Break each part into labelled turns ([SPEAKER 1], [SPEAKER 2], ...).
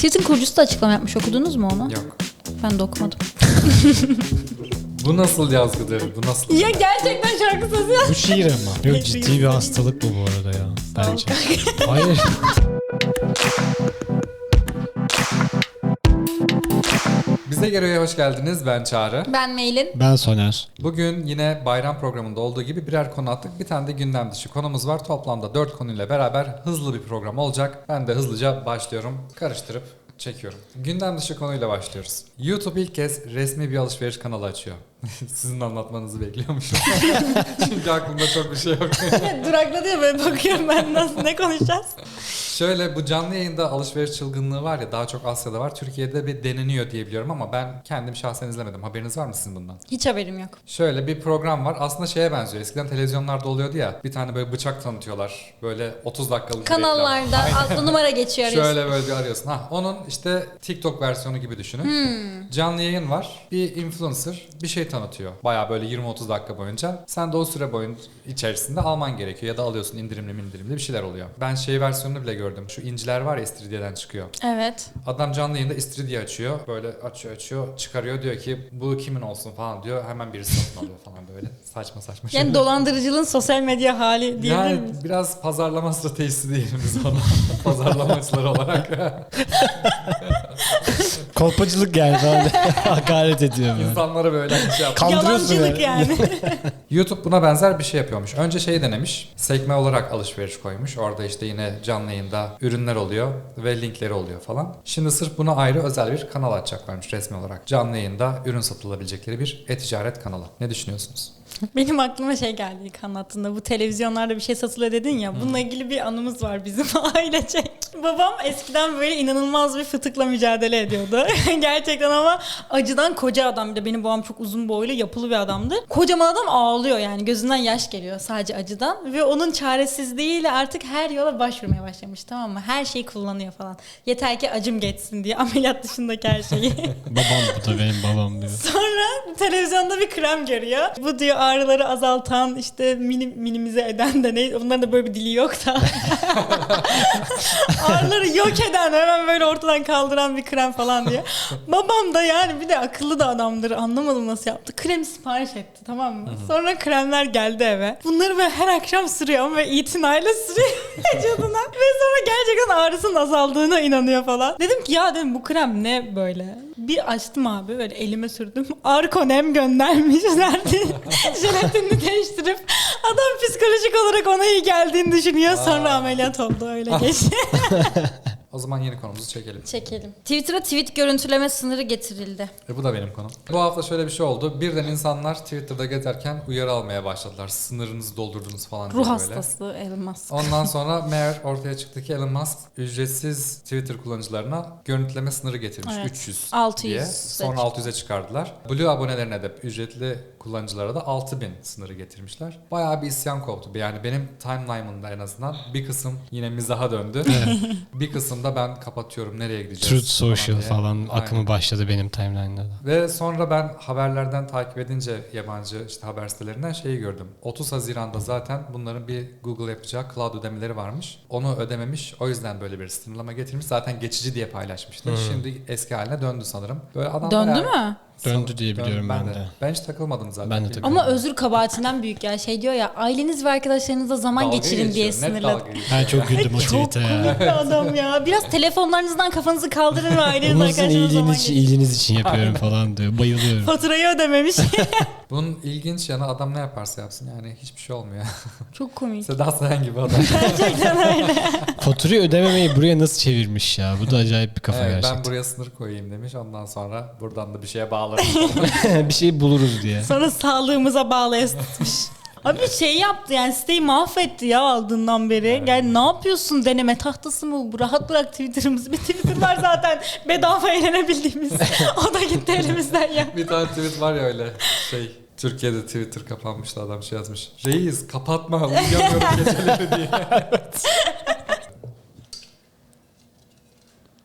[SPEAKER 1] Tweet'in kurucusu da açıklama yapmış. Okudunuz mu onu?
[SPEAKER 2] Yok.
[SPEAKER 1] Ben de okumadım.
[SPEAKER 2] Bu nasıl yazgıdır? Bu nasıl?
[SPEAKER 1] Ya gerçekten şarkı sözü yaz.
[SPEAKER 3] Bu şiir ama. Yok, ciddi bir hastalık bu arada ya. Bence. Hayır.
[SPEAKER 2] Bize Gero'ya hoş geldiniz. Ben Çağrı.
[SPEAKER 1] Ben Meylin.
[SPEAKER 3] Ben Soner.
[SPEAKER 2] Bugün yine bayram programında olduğu gibi birer konu attık. Bir tane de gündem dışı konumuz var. Toplamda 4 konuyla beraber hızlı bir program olacak. Ben de hızlıca başlıyorum. Karıştırıp çekiyorum. Gündem dışı konuyla başlıyoruz. YouTube ilk kez resmi bir alışveriş kanalı açıyor. Sizin anlatmanızı bekliyormuşum. Çünkü aklımda çok bir şey yok.
[SPEAKER 1] Durakladı ya, böyle bakıyorum ben, nasıl, ne konuşacağız?
[SPEAKER 2] Şöyle, bu canlı yayında alışveriş çılgınlığı var ya, daha çok Asya'da var. Türkiye'de bir deneniyor diye biliyorum ama ben kendim şahsen izlemedim. Haberiniz var mı sizin bundan?
[SPEAKER 1] Hiç haberim yok.
[SPEAKER 2] Şöyle bir program var. Aslında şeye benziyor. Eskiden televizyonlarda oluyordu ya. Bir tane böyle bıçak tanıtıyorlar. Böyle 30 dakikalık bir
[SPEAKER 1] Kanallarda adlı numara geçiyor.
[SPEAKER 2] reklam. Şöyle böyle bir arıyorsun. Onun işte TikTok versiyonu gibi düşünün. Canlı yayın var. Bir influencer bir şey tanıtıyor. Baya böyle 20-30 dakika boyunca. Sen de o süre boyunca içerisinde alman gerekiyor. Ya da alıyorsun indirimli bir şeyler oluyor. Ben şey versiyonunu bile gördüm. Şu inciler var ya, İstiridye'den çıkıyor.
[SPEAKER 1] Evet.
[SPEAKER 2] Adam canlı yayında istiridye açıyor. Böyle açıyor, çıkarıyor, diyor ki bu kimin olsun falan diyor. Hemen birisi satın alıyor falan böyle. Saçma
[SPEAKER 1] Yani
[SPEAKER 2] şeyler.
[SPEAKER 1] dolandırıcılığın sosyal medya hali diyebilir
[SPEAKER 2] Yani
[SPEAKER 1] miyiz?
[SPEAKER 2] biraz pazarlama stratejisi diyelim biz ona. Pazarlamacılar olarak.
[SPEAKER 3] Kolpacılık geldi abi. Hakaret ediyor böyle.
[SPEAKER 2] İnsanlara böyle şey yapıyor.
[SPEAKER 3] Kandırıyorsun
[SPEAKER 1] Yalancılık yani.
[SPEAKER 2] YouTube buna benzer bir şey yapıyormuş. Önce şey denemiş. Sekme olarak alışveriş koymuş. Orada işte yine canlı yayında ürünler oluyor ve linkleri oluyor falan. Şimdi sırf buna ayrı özel bir kanal açacaklarmış resmi olarak. Canlı yayında ürün satılabilecekleri bir e-ticaret kanalı. Ne düşünüyorsunuz?
[SPEAKER 1] Benim aklıma şey geldi ilk anlattığında, bu televizyonlarda bir şey satılıyor dedin ya, bununla ilgili bir anımız var bizim ailecek. Babam eskiden böyle inanılmaz bir fıtıkla mücadele ediyordu. Gerçekten, ama acıdan, koca adam, bir de benim babam çok uzun boylu, yapılı bir adamdı. Kocaman adam ağlıyor yani, gözünden yaş geliyor sadece acıdan ve onun çaresizliğiyle artık her yola başvurmaya başlamış, tamam mı? Her şeyi kullanıyor falan. Yeter ki acım geçsin diye, ameliyat dışındaki her şeyi.
[SPEAKER 3] Babam, bu da benim babam diyor.
[SPEAKER 1] Sonra televizyonda bir krem görüyor. Bu diyor ağrıları azaltan, işte minimize eden de ne? Onların da böyle bir dili yok da. Ağrıları yok eden, hemen böyle ortadan kaldıran bir krem falan diye. Babam da yani bir de akıllı da adamdır. Anlamadım nasıl yaptı. Kremi sipariş etti, tamam mı? Sonra kremler geldi eve. Bunları böyle her akşam sürüyor ama itinayla sürüyor vücuduna. Ve sonra gerçekten ağrısının azaldığına inanıyor falan. Dedim ki ya, dedim, bu krem ne böyle? Bir açtım abi, böyle elime sürdüm. Arkonem göndermiş. Jelatinini değiştirip adam psikolojik olarak ona iyi geldiğini düşünüyor. Sonra ameliyat oldu, öyle geçti.
[SPEAKER 2] O zaman yeni konumuzu çekelim.
[SPEAKER 1] Çekelim. Twitter'a tweet görüntüleme sınırı getirildi.
[SPEAKER 2] Bu da benim konum. Bu hafta şöyle bir şey oldu. Birden insanlar Twitter'da gezerken uyarı almaya başladılar. Sınırınızı doldurdunuz falan diye
[SPEAKER 1] Ruh
[SPEAKER 2] böyle.
[SPEAKER 1] hastası Elon Musk.
[SPEAKER 2] Ondan sonra meğer ortaya çıktı ki Elon Musk ücretsiz Twitter kullanıcılarına görüntüleme sınırı getirmiş.
[SPEAKER 1] Evet.
[SPEAKER 2] 300
[SPEAKER 1] 600
[SPEAKER 2] diye. Sonra 600'e çıkardılar. Blue abonelerine de, ücretli kullanıcılara da 6000 sınırı getirmişler. Bayağı bir isyan koptu. Yani benim timeline'ımda en azından bir kısım yine mizaha döndü. Bir kısımda ben kapatıyorum, nereye gideceğiz
[SPEAKER 3] Truth Social
[SPEAKER 2] diye.
[SPEAKER 3] falan akımı
[SPEAKER 2] Aynen.
[SPEAKER 3] başladı benim timeline'da da.
[SPEAKER 2] Ve sonra ben haberlerden takip edince yabancı işte haber sitelerinden şeyi gördüm. 30 Haziran'da zaten bunların bir Google yapacağı cloud ödemeleri varmış. Onu ödememiş. O yüzden böyle bir sınırlama getirmiş. Zaten geçici diye paylaşmıştı. Şimdi eski haline döndü sanırım. Böyle adam
[SPEAKER 1] Döndü
[SPEAKER 2] bayağı-
[SPEAKER 1] mü?
[SPEAKER 3] Döndü diye biliyorum ben de.
[SPEAKER 2] Ben hiç takılmadım zaten.
[SPEAKER 3] Ben de
[SPEAKER 2] Bilmiyorum.
[SPEAKER 1] Ama özür kabahatinden büyük ya. Şey diyor ya, aileniz ve arkadaşlarınızla zaman
[SPEAKER 2] Dalga
[SPEAKER 1] geçirin diye
[SPEAKER 2] geçiyor, net
[SPEAKER 1] sınırladı.
[SPEAKER 2] dalga geçiyor
[SPEAKER 3] Ben
[SPEAKER 2] ya.
[SPEAKER 3] çok güldüm o
[SPEAKER 1] Çok
[SPEAKER 3] tweet'e ya.
[SPEAKER 1] komik bir adam ya. Biraz telefonlarınızdan kafanızı kaldırın ve ailenizle
[SPEAKER 3] Bunu sizin
[SPEAKER 1] arkadaşlarınızla zaman
[SPEAKER 3] iyiliğiniz için,
[SPEAKER 1] geçirin.
[SPEAKER 3] iyiliğiniz için yapıyorum falan diyor. Bayılıyorum.
[SPEAKER 1] Faturayı ödememiş.
[SPEAKER 2] Bunun ilginç yanı, adam ne yaparsa yapsın yani hiçbir şey olmuyor.
[SPEAKER 1] Çok komik.
[SPEAKER 2] Seda Sayan gibi adam.
[SPEAKER 1] Gerçekten öyle.
[SPEAKER 3] Faturayı ödememeyi buraya nasıl çevirmiş ya? Bu da acayip bir kafa
[SPEAKER 2] Evet, ben
[SPEAKER 3] gerçekten.
[SPEAKER 2] buraya sınır koyayım demiş. Ondan sonra buradan da bir şeye bağlarım.
[SPEAKER 3] Bir şey buluruz diye.
[SPEAKER 1] Sonra sağlığımıza bağlı tutmuş. Abi şey yaptı yani, siteyi mahvetti ya aldığından beri. Yani ne yapıyorsun, deneme tahtası mı bu? Rahat bırak Twitter'ımızı. Bir Twitter var zaten bedava eğlenebildiğimiz. O da gitti elimizden ya.
[SPEAKER 2] Bir tane tweet var ya öyle şey. Türkiye'de Twitter kapanmıştı, adam şey yazmış. Reis kapatma, uyuyamıyorum geceleri diye.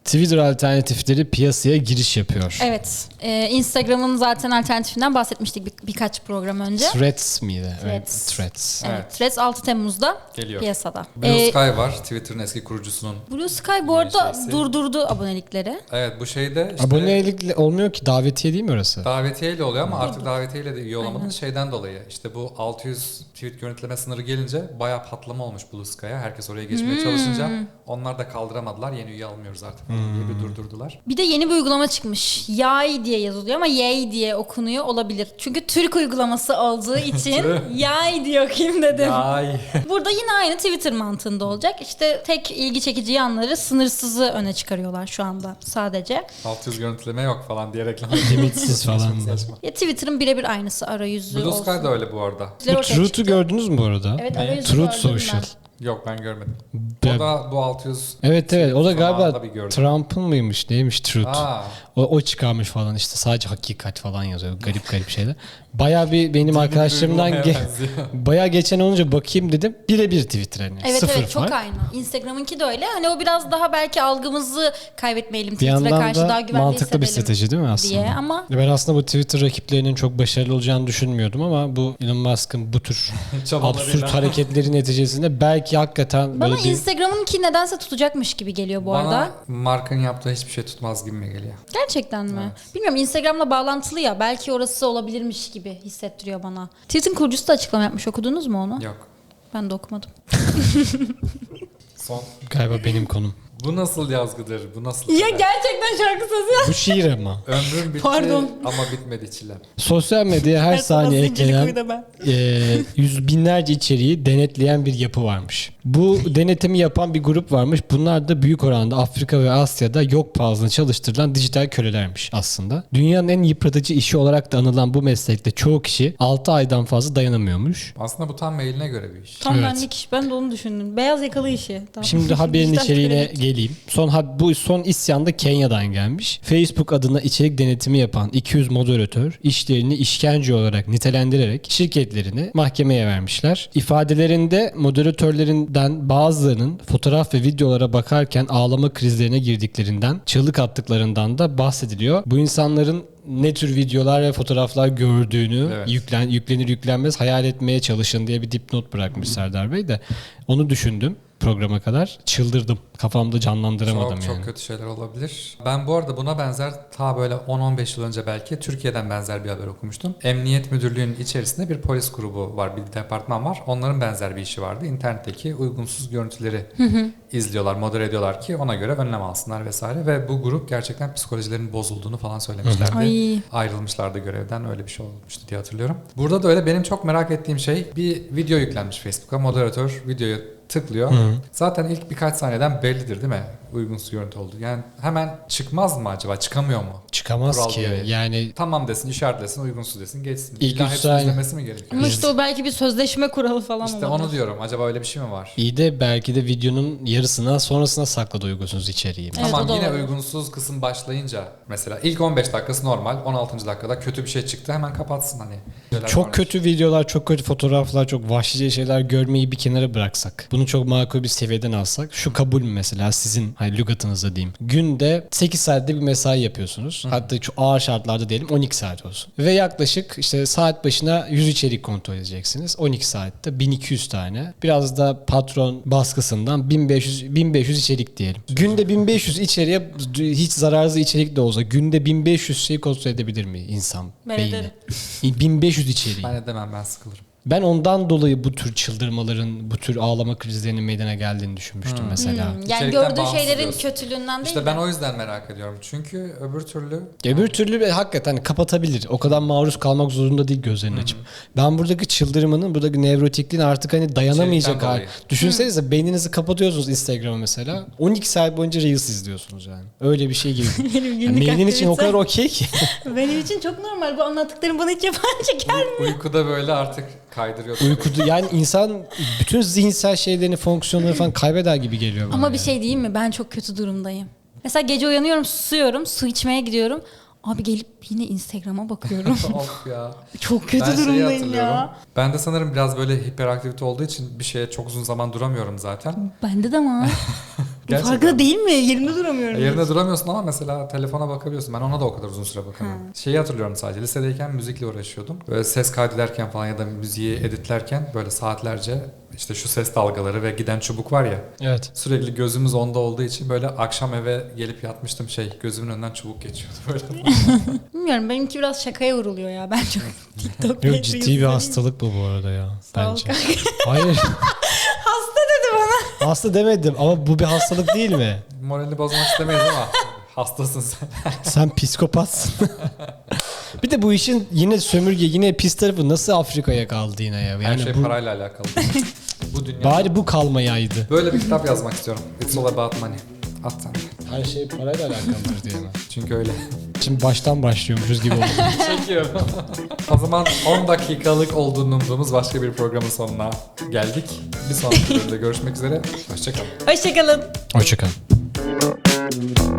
[SPEAKER 3] Twitter alternatifleri piyasaya giriş yapıyor.
[SPEAKER 1] Evet. Instagram'ın zaten alternatifinden bahsetmiştik birkaç program önce.
[SPEAKER 3] Threads miydi? Evet,
[SPEAKER 1] Threads.
[SPEAKER 3] Threads.
[SPEAKER 1] Evet.
[SPEAKER 2] Evet.
[SPEAKER 1] Threads 6 Temmuz'da
[SPEAKER 2] Geliyor.
[SPEAKER 1] piyasada.
[SPEAKER 2] Blue Sky var. Twitter'ın eski kurucusunun.
[SPEAKER 1] Blue Sky bu arada
[SPEAKER 2] şeysi.
[SPEAKER 1] durdurdu abonelikleri.
[SPEAKER 2] Evet, bu şeyde işte
[SPEAKER 3] Abonelik olmuyor ki, davetiye değil mi orası?
[SPEAKER 2] davetiyeyle oluyor ama artık davetiyeyle de üye olamadınız şeyden dolayı. İşte bu 600 tweet görüntüleme sınırı gelince bayağı patlama olmuş Blue Sky'a. Herkes oraya geçmeye çalışınca onlar da kaldıramadılar. Yeni üye almıyoruz artık diye bir durdurdular.
[SPEAKER 1] Bir de yeni bir uygulama çıkmış. Yay diye yazılıyor ama Yay diye okunuyor olabilir. Çünkü Türk uygulaması olduğu için Yay diye okuyayım dedim.
[SPEAKER 2] Ay.
[SPEAKER 1] Burada yine aynı Twitter mantığında olacak. İşte tek ilgi çekici yanları sınırsızı öne çıkarıyorlar şu anda sadece.
[SPEAKER 2] 600 görüntüleme yok falan diye reklam.
[SPEAKER 3] Limitsiz falan.
[SPEAKER 2] Saçma.
[SPEAKER 1] Ya Twitter'ın birebir aynısı arayüzü
[SPEAKER 2] Blue
[SPEAKER 1] olsun.
[SPEAKER 2] Sky da öyle bu arada.
[SPEAKER 3] Bu
[SPEAKER 1] Ortaya
[SPEAKER 3] Truth'u
[SPEAKER 1] çıktı.
[SPEAKER 3] gördünüz mü bu arada?
[SPEAKER 1] Evet,
[SPEAKER 2] Ne?
[SPEAKER 1] arayüzü
[SPEAKER 3] Truth
[SPEAKER 1] gördüm
[SPEAKER 3] Social.
[SPEAKER 1] ben.
[SPEAKER 2] Yok, ben görmedim.
[SPEAKER 3] Ben-
[SPEAKER 2] O da bu 600
[SPEAKER 3] Evet evet, o da galiba
[SPEAKER 2] zamanında bir gördüm.
[SPEAKER 3] Trump'ın mıymış neymiş Truth.
[SPEAKER 2] Aa,
[SPEAKER 3] O çıkarmış falan, işte sadece hakikat falan yazıyor, garip garip şeyler. Bayağı bir benim arkadaşlarımdan
[SPEAKER 2] uygulamaya benziyor.
[SPEAKER 3] bayağı geçen olunca bakayım dedim, birebir Twitter hani.
[SPEAKER 1] Evet
[SPEAKER 3] Sıfır
[SPEAKER 1] evet, çok
[SPEAKER 3] fark.
[SPEAKER 1] aynı. Instagram'ınki de öyle. Hani o biraz daha belki algımızı kaybetmeyelim.
[SPEAKER 3] Bir
[SPEAKER 1] Twitter'a
[SPEAKER 3] yandan
[SPEAKER 1] karşı daha
[SPEAKER 3] da
[SPEAKER 1] güvenli
[SPEAKER 3] mantıklı bir
[SPEAKER 1] hissedelim
[SPEAKER 3] strateji değil mi aslında?
[SPEAKER 1] diye ama
[SPEAKER 3] Ben aslında bu Twitter rakiplerinin çok başarılı olacağını düşünmüyordum ama bu Elon Musk'ın bu tür
[SPEAKER 2] çabalarıyla.
[SPEAKER 3] absürt hareketleri neticesinde belki hakikaten
[SPEAKER 1] bana
[SPEAKER 3] böyle bir...
[SPEAKER 1] Instagram'ınki nedense tutacakmış gibi geliyor bu arada.
[SPEAKER 2] Bana markanın yaptığı hiçbir şey tutmaz gibi mi geliyor?
[SPEAKER 1] Gerçekten mi? Bilmiyorum, Instagram'la bağlantılı ya, belki orası olabilirmiş gibi hissettiriyor bana. Twitter'ın kurucusu da açıklama yapmış, okudunuz mu onu?
[SPEAKER 2] Yok.
[SPEAKER 1] Ben de okumadım.
[SPEAKER 2] Son.
[SPEAKER 3] Galiba benim konum.
[SPEAKER 2] Bu nasıl yazgıdır? Bu nasıl?
[SPEAKER 1] Ya
[SPEAKER 2] kader?
[SPEAKER 1] gerçekten şarkı sözü.
[SPEAKER 3] Bu şiir ama.
[SPEAKER 2] Ömrüm bitti
[SPEAKER 1] Pardon.
[SPEAKER 2] ama bitmedi çilem.
[SPEAKER 3] Sosyal medyaya her saniye eklenen
[SPEAKER 1] ben.
[SPEAKER 3] yüz binlerce içeriği denetleyen bir yapı varmış. Bu denetimi yapan bir grup varmış. Bunlar da büyük oranda Afrika ve Asya'da yok pahasına çalıştırılan dijital kölelermiş aslında. Dünyanın en yıpratıcı işi olarak da anılan bu meslekte çoğu kişi 6 aydan fazla dayanamıyormuş.
[SPEAKER 2] Aslında bu tam mailine göre bir iş.
[SPEAKER 1] Tam
[SPEAKER 3] Evet.
[SPEAKER 1] benlik iş. Ben de onu düşündüm. Beyaz yakalı işi. Tamam.
[SPEAKER 3] Şimdi haberin
[SPEAKER 1] Dijital
[SPEAKER 3] içeriğine
[SPEAKER 1] kölelik.
[SPEAKER 3] geleyim. Bu son isyan da Kenya'dan gelmiş. Facebook adına içerik denetimi yapan 200 moderatör işlerini işkence olarak nitelendirerek şirketlerini mahkemeye vermişler. İfadelerinde moderatörlerinden bazılarının fotoğraf ve videolara bakarken ağlama krizlerine girdiklerinden, çığlık attıklarından da bahsediliyor. Bu insanların ne tür videolar ve fotoğraflar gördüğünü
[SPEAKER 2] Evet.
[SPEAKER 3] yüklenir yüklenmez hayal etmeye çalışın diye bir dipnot bırakmış Serdar Bey de. Onu düşündüm programa kadar. Çıldırdım. Kafamda canlandıramadım
[SPEAKER 2] Çok
[SPEAKER 3] yani.
[SPEAKER 2] çok kötü şeyler olabilir. Ben bu arada buna benzer ta böyle 10-15 yıl önce belki Türkiye'den benzer bir haber okumuştum. Emniyet Müdürlüğü'nün içerisinde bir polis grubu var, bir departman var. Onların benzer bir işi vardı. İnternetteki uygunsuz görüntüleri izliyorlar, modere ediyorlar ki ona göre önlem alsınlar vesaire. Ve bu grup gerçekten psikolojilerinin bozulduğunu falan söylemişlerdi.
[SPEAKER 1] Ay.
[SPEAKER 2] Ayrılmışlardı görevden, öyle bir şey olmuştu diye hatırlıyorum. Burada da öyle benim çok merak ettiğim şey, bir video yüklenmiş Facebook'a. Moderatör videoyu tıklıyor. Zaten ilk birkaç saniyeden bellidir değil mi? Uygunsuz görüntü oldu. Yani hemen çıkmaz mı acaba? Çıkamıyor mu?
[SPEAKER 3] Çıkamaz
[SPEAKER 2] Kural
[SPEAKER 3] ki.
[SPEAKER 2] gereği.
[SPEAKER 3] Yani
[SPEAKER 2] Tamam desin, işaretlesin, uygunsuz desin, geçsin.
[SPEAKER 3] İlk
[SPEAKER 2] İlla
[SPEAKER 3] üç
[SPEAKER 2] hepsini
[SPEAKER 3] saniye-
[SPEAKER 2] izlemesi mi gerekiyor?
[SPEAKER 1] Ama işte o belki bir sözleşme kuralı falan
[SPEAKER 2] İşte
[SPEAKER 1] olabilir.
[SPEAKER 2] onu diyorum. Acaba öyle bir şey mi var?
[SPEAKER 3] iyi de belki de videonun yarısına sonrasına sakladı uygunsuz içeriği.
[SPEAKER 1] Evet,
[SPEAKER 2] Tamam,
[SPEAKER 1] o da
[SPEAKER 2] yine
[SPEAKER 1] olabilir.
[SPEAKER 2] uygunsuz kısım başlayınca mesela ilk 15 dakikası normal, 16. dakikada kötü bir şey çıktı, hemen kapatsın hani.
[SPEAKER 3] Çok kötü videolar, çok kötü fotoğraflar, çok vahşice şeyler görmeyi bir kenara bıraksak. Bunu çok makul bir seviyeden alsak. Şu kabul mü mesela sizin hani lügatınızda diyeyim. Günde 8 saatte bir mesai yapıyorsunuz. Hatta çok ağır şartlarda diyelim 12 saat olsun. Ve yaklaşık işte saat başına 100 içerik kontrol edeceksiniz. 12 saatte 1200 tane. Biraz da patron baskısından 1500 içerik diyelim. Günde 1500 içeriğe hiç zararsız içerik de olsa günde 1500 şeyi kontrol edebilir mi insan
[SPEAKER 1] Ben
[SPEAKER 3] beyni?
[SPEAKER 1] ederim.
[SPEAKER 3] 1500 içeriği.
[SPEAKER 2] Ben edemem, ben sıkılırım.
[SPEAKER 3] Ben ondan dolayı bu tür çıldırmaların, bu tür ağlama krizlerinin meydana geldiğini düşünmüştüm mesela.
[SPEAKER 1] Yani
[SPEAKER 2] İçerikten
[SPEAKER 1] gördüğü
[SPEAKER 2] bağımsız
[SPEAKER 1] şeylerin
[SPEAKER 2] diyorsun.
[SPEAKER 1] kötülüğünden değil
[SPEAKER 2] İşte
[SPEAKER 1] de.
[SPEAKER 2] ben o yüzden merak ediyorum. Çünkü öbür türlü
[SPEAKER 3] Öbür türlü hakikaten kapatabilir. O kadar maruz kalmak zorunda değil gözlerini açıp. Ben buradaki çıldırmanın, buradaki nevrotikliğin artık hani dayanamayacak
[SPEAKER 2] İçerikten
[SPEAKER 3] hali.
[SPEAKER 2] dolayı.
[SPEAKER 3] Düşünsenize beyninizi kapatıyorsunuz Instagram'a mesela. 12 saat boyunca Reels izliyorsunuz yani. Öyle bir şey gibi.
[SPEAKER 1] Benim
[SPEAKER 3] Yani
[SPEAKER 1] günlük
[SPEAKER 3] beynin için o
[SPEAKER 1] aktivite.
[SPEAKER 3] kadar okey ki.
[SPEAKER 1] Benim için çok normal. Bu anlattıklarım bana hiç yabancı gelmiyor.
[SPEAKER 2] uykuda böyle artık kaydırıyor.
[SPEAKER 3] Uykuda yani insan bütün zihinsel şeylerini, fonksiyonları falan kaybeder gibi geliyor bana.
[SPEAKER 1] Ama
[SPEAKER 3] yani.
[SPEAKER 1] bir şey diyeyim mi? Ben çok kötü durumdayım. Mesela gece uyanıyorum, susuyorum, su içmeye gidiyorum. Abi gelip yine Instagram'a bakıyorum.
[SPEAKER 2] Of ya.
[SPEAKER 1] Çok kötü
[SPEAKER 2] Ben şeyi
[SPEAKER 1] durumdayım
[SPEAKER 2] hatırlıyorum.
[SPEAKER 1] ya.
[SPEAKER 2] Ben de sanırım biraz böyle hiperaktivite olduğu için bir şeye çok uzun zaman duramıyorum zaten.
[SPEAKER 1] Bende de ama.
[SPEAKER 2] Gerçekten.
[SPEAKER 1] Farkında değil mi? Yerimde duramıyorum.
[SPEAKER 2] Yerinde duramıyorsun ama mesela telefona bakabiliyorsun. Ben ona da o kadar uzun süre bakamıyorum. Şeyi hatırlıyorum sadece. Lisedeyken müzikle uğraşıyordum. Böyle ses kaydederken falan ya da müziği editlerken böyle saatlerce işte şu ses dalgaları ve giden çubuk var ya.
[SPEAKER 3] Evet.
[SPEAKER 2] Sürekli gözümüz onda olduğu için böyle akşam eve gelip yatmıştım gözümün önünden çubuk geçiyordu böyle.
[SPEAKER 1] Bilmiyorum, benimki biraz şakaya vuruluyor ya. Ben çok TikTok
[SPEAKER 3] Yok, ciddi bir hastalık bu arada ya.
[SPEAKER 1] Sağ ol
[SPEAKER 3] Bence.
[SPEAKER 1] kanka.
[SPEAKER 3] Hayır.
[SPEAKER 1] Hasta dedi bana.
[SPEAKER 3] Hasta demedim ama bu bir hastalık değil mi?
[SPEAKER 2] Moralini bozmak istemeyiz ama hastasın sen.
[SPEAKER 3] Sen psikopatsın. Bir de bu işin yine sömürge, yine pis tarafı nasıl Afrika'ya kaldı yine ya? Yani
[SPEAKER 2] Her şey
[SPEAKER 3] bu,
[SPEAKER 2] parayla alakalı. Bu dünya.
[SPEAKER 3] bari bu kalmayaydı.
[SPEAKER 2] Böyle bir kitap yazmak istiyorum. It's all about money. At sen.
[SPEAKER 3] Her şey parayla alakalıdır diye mi?
[SPEAKER 2] Çünkü öyle.
[SPEAKER 3] Şimdi baştan başlıyormuşuz gibi oldu.
[SPEAKER 2] Çekiyorum. O zaman 10 dakikalık olduğunu umduğumuz başka bir programın sonuna geldik. Bir sonraki bölümde görüşmek üzere. Hoşçakalın.
[SPEAKER 1] Hoşçakalın.
[SPEAKER 3] Hoşçakalın.